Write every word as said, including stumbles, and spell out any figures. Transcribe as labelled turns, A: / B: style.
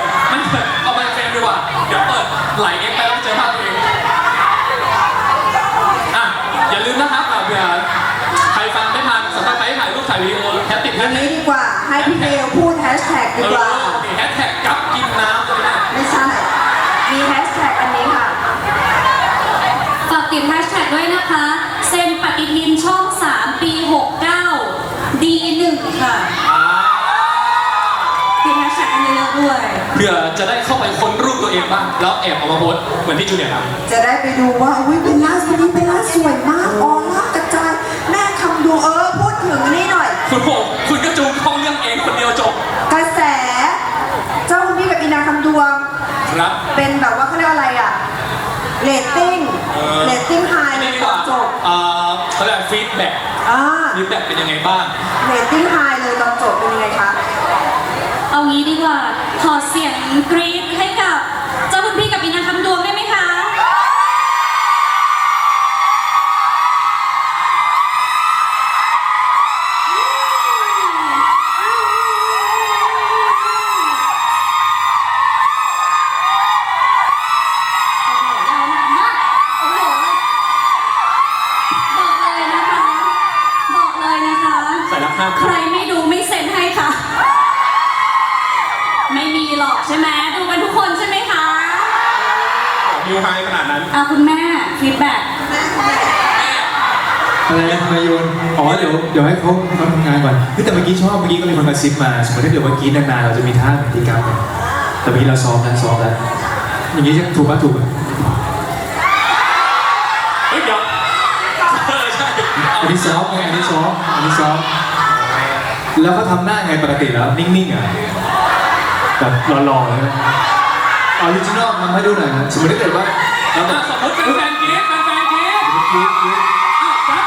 A: มันเกิดเอาไปเฟรมดีกว่าเดี๋ยวเปิดไหลเอ็กไปแล้วเจอภาพตัวเองอ่ะอย่าลืมนะครับเผื่อใครฟังไม่ทันสำหรับใครที่ถ่ายรูปถ่ายวีดีโอแฮชติดแฮ
B: อั
A: ช
B: น
A: แท็
B: นี้
A: ก
B: ดีกว่าให้พี่เบลพูดแฮชแท็กดีกว่า
A: แฮชแท็กกับกินน้ำเลยนะ
B: ไม่ใช่มีแฮชแท็กอันนี้ค่ะ
C: ฝากติดแฮชแท็กด้วยนะคะเซ็นปฏิทินช่องสามปีหกเก้า ดี หนึ่ง ค่ะติดแฮชแท็กอันนี้เยอะด้วย
A: เพื่อจะได้เข้าไปค้นรูปตัวเองบ้างแล้วแอบเอามาโพสต์เหมือนที่จูเนียร์ทำ
B: จะได้ไปดูว่าอุ้ยเป็นล่าสุดนี้เป็นล่าสวยมากออร่ากระจายแม่คำดูเออพูดถึงนี่หน่อย
A: คุณผมคุณก็จูงเข้าเรื่องเองคนเดียวจบ
B: กระแส เจ้าคุณพี่กับอีนาคำดวง
A: ครับ
B: เป็นแบบว่าเขาเรียกอะไรอ่ะเรตติ้ง
A: เออ
B: เรตติ้งไฮ
A: อัน
B: เล
A: นี้
B: ย
A: ดี
B: ต
A: ก
B: อ
A: ว่าน
B: จบ
A: เอ่อเขาเรียกฟีดแบ็ก
B: อ่า
A: ฟีดแบ็กเป็นยังไงบ้าง
B: เรตติ้งไฮเลยตอนจบเป็นยังไงคะ
C: เอางี้ดีกว่า ขอเสียงกรี๊ดให้กับเจ้าคุณพี่กับอีนางคำดวงได้ไหมคะ
A: ใส่รับห้าม
C: ใครไม่ดูไม่เซ็นให้ค่ะ ไม่มีหรอกใช่ไหมดูกันทุกคนใช่ไหมคะ
A: นิวไฮขนาดนั้น
C: อ่ะคุณแม่ฟีดแบ็ก
D: อะไรนะทำไมโยนอ๋อเดี๋ยวเดี๋ยวให้เขาเขาทำงานก่อนเฮ้ยแต่เมื่อกี้ชอบเมื่อกี้ก็มีคนมาซิปมาสมมติถ้าเกิดเมื่อกี้นานๆเราจะมีท่าเหมือนที่กัฟเนี่ยแต่เมื่อกี้เราซ้อมแล้วซ้อมแล้วอย่างนี้ถูกปะถูกปะ
A: เฮ้ยเดี๋ยวเออใช่
D: อันนี้ซ้อมไงอันนี้ซ้อมอันนี้ซ้อมแล้วเขาทำหน้าไงปกติแล้วนิ่งๆอ่ะแบบหล่อๆเลยออริจินอลทำให้ดูหน่อยนะสมมติถ้าเกิดว่าเราแบ
A: อ่ะ
D: บ
A: สมมติเป็นแฟนกรี๊ดเป็นแฟนกรี๊ด
D: กรี๊ดกรี๊ด